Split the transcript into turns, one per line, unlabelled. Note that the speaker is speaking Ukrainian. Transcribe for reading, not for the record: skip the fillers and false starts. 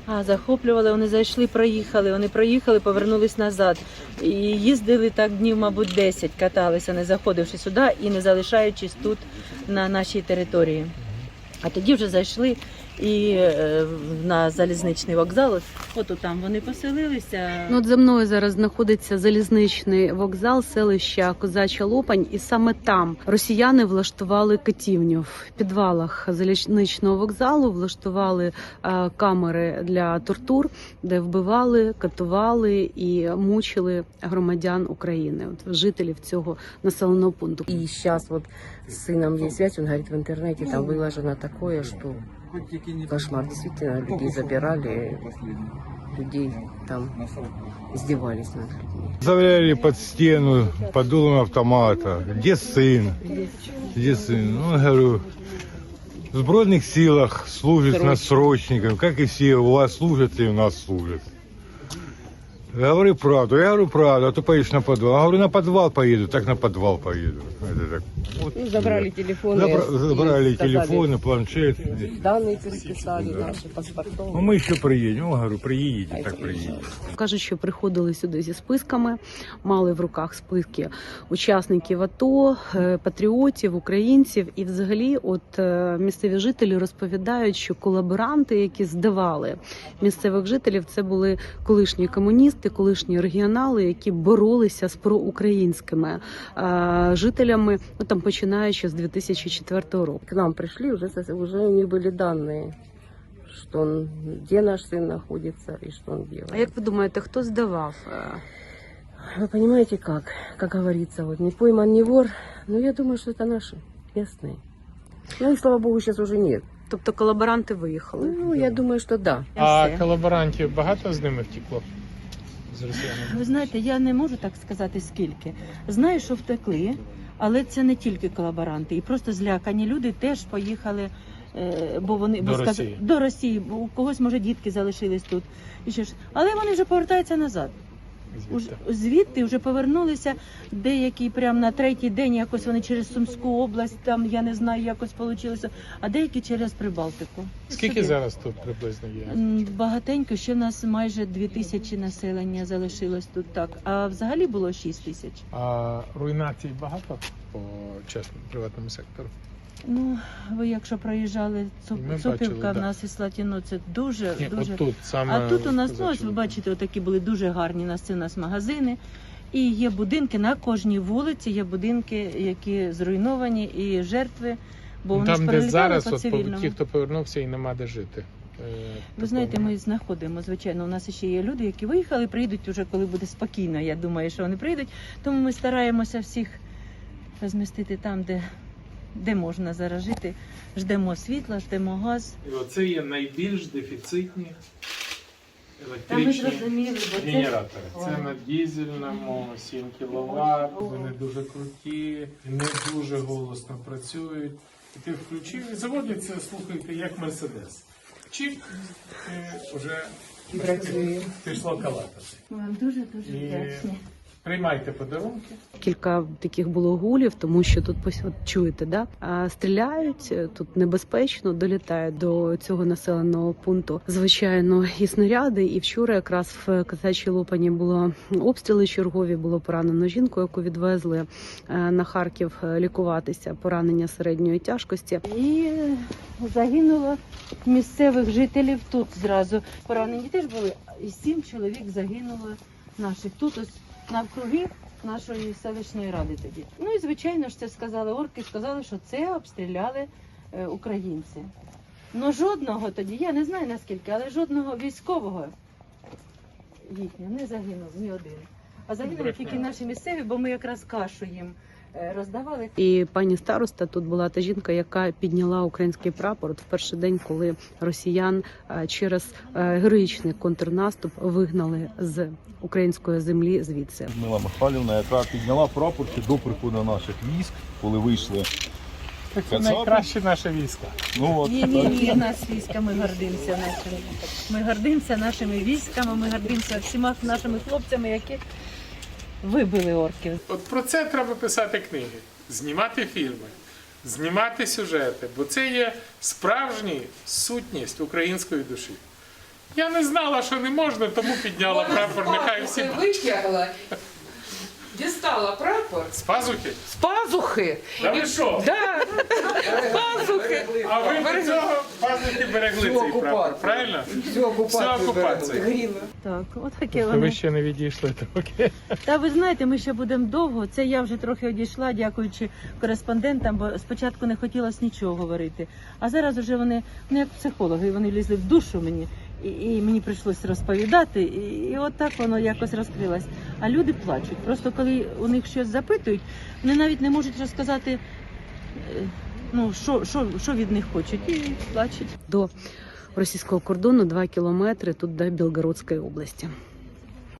Захоплювали, вони зайшли, проїхали, повернулись назад. І їздили так днів, мабуть, 10, каталися, не заходивши сюди і не залишаючись тут на нашій території. А тоді вже зайшли і на залізничний вокзал, от там вони поселилися.
От за мною зараз знаходиться залізничний вокзал селища Козача Лопань, і саме там росіяни влаштували катівню. В підвалах залізничного вокзалу влаштували камери для тортур, де вбивали, катували і мучили громадян України, от жителів цього населеного пункту.
И сейчас вот с сыном есть связь, он говорит, в интернете там выложено такое, что кошмар. Действительно, людей забирали, людей там издевались над людьми.
Заставляли под стену, под дулом автомата. Где сын? Где сын? Ну, говорю, в Збройных силах служит нас срочником, как и все у вас служат и у нас служат. Говори правду, я говорю правду, а то поедешь на подвал. Я говорю, на подвал поеду, так на подвал поеду. Это так. Вот,
Забрали телефоны.
Забрали телефоны, планшет.
Данные переписали, наши паспорта.
Ну, мы еще приедем. Ну, говорю, приедете, так приедете.
Кажуть, що приходили сюди зі списками, мали в руках списки учасників АТО, патріотів, українців. І взагалі от місцеві жителі розповідають, що колаборанти, які здавали місцевих жителів, це були колишні комуністи, колишні регіонали, які боролися з проукраїнськими жителями, ну, там, починаючи з 2004 року.
К нам пришли, уже у них были данные, что он, где наш сын находится и что он делает.
А як ви думаєте, хто здавав?
Вы понимаете как говорится, вот не пойман, не вор, но я думаю, что это наши местные. Ну и слава богу, сейчас уже нет.
Тобто колаборанти виїхали?
Ну, я думаю, что да.
А колаборантів багато з ними втекло? З росіянами?
Ви знаєте, я не можу так сказати скільки. Знаю, що втекли, але це не тільки колаборанти. І просто злякані люди теж поїхали, бо вони до Росії, бо у когось, може, дітки залишились тут. І ще ж. Але вони вже повертаються назад. Звідти вже повернулися, деякі прямо на третій день, якось вони через Сумську область, там, я не знаю, якось вийшло, а деякі через Прибалтику.
Скільки зараз тут приблизно є?
Багатенько, ще в нас майже 2000 населення залишилось тут, так. А взагалі було 6000.
А руйнацій багато по чесному приватному сектору?
Ну, ви якщо проїжджали Цупівка, в нас і Слатіно, це дуже.
Тут, саме
а тут у нас, ну, ось ви бачите, отакі були дуже гарні, це у нас магазини. І є будинки, на кожній вулиці є будинки, які зруйновані, і жертви, бо вони ж перелітали по цивільному.
Там, де зараз, ті, хто повернувся і нема де жити.
Ви знаєте, ми знаходимо, звичайно, у нас ще є люди, які виїхали, приїдуть вже, коли буде спокійно, я думаю, що вони прийдуть. Тому ми стараємося всіх розмістити там, де можна зараз жити. Ждемо світла, ждемо газ.
І оце є найбільш дефіцитні електричні генератори. Це на дизельному 7 кВт, вони дуже круті, не дуже голосно працюють. І ти включив і заводиться, слухайте, як Мерседес. Чик, і вже пішло калатати.
Вам дуже-дуже вдячні.
Приймайте подарунки.
Кілька таких було гулів, тому що тут от чуєте, да? Стріляють, тут небезпечно, долітають до цього населеного пункту. Звичайно, і снаряди. І вчора якраз в Козачій Лопані було обстріли чергові, було поранено жінку, яку відвезли на Харків лікуватися, поранення середньої тяжкості.
І загинуло місцевих жителів тут зразу. Поранені теж були. І 7 чоловік загинуло наших тут ось навкруги нашої селищної ради тоді. Ну і звичайно ж це сказали орки, сказали, що це обстріляли українці. Ну жодного тоді, я не знаю наскільки, але жодного військового їхнього не загинув, ні один. А загинули тільки наші місцеві, бо ми якраз кашу їм роздавали.
І пані староста тут була та жінка, яка підняла український прапор в перший день, коли росіян через героїчний контрнаступ вигнали з української землі звідси.
Людмила Михайлівна, яка підняла прапор ще до приходу наших військ, коли вийшли.
Це найкраще наше військо.
Ну, от.
Ні, нас війська, ми гордимося нашими. Ми гордимося нашими військами, ми гордимося всіма нашими хлопцями, які вибили орків.
От про це треба писати книги, знімати фільми, знімати сюжети, бо це є справжня сутність української душі. Я не знала, що не можна, тому підняла прапор. Нехай всі
витягла, дістала прапор
з пазухи.
з пазухи.
Та ви що?
Да, з пазухи.
А ви до цього пазухи берегли цей прапор, правильно? Всю окупацію.
Так, от таке
Ви
вони.
ще не відійшли, то окей.
Та ви знаєте, ми ще будемо довго. Це я вже трохи одійшла, дякуючи кореспондентам, бо спочатку не хотілося нічого говорити. А зараз вже вони, ну як психологи, вони лізли в душу мені, і мені прийшлося розповідати, і от так воно якось розкрилось. А люди плачуть. Просто коли у них щось запитують, вони навіть не можуть розказати, ну, що від них хочуть, і плачуть.
До російського кордону 2 кілометри тут до Білгородської області.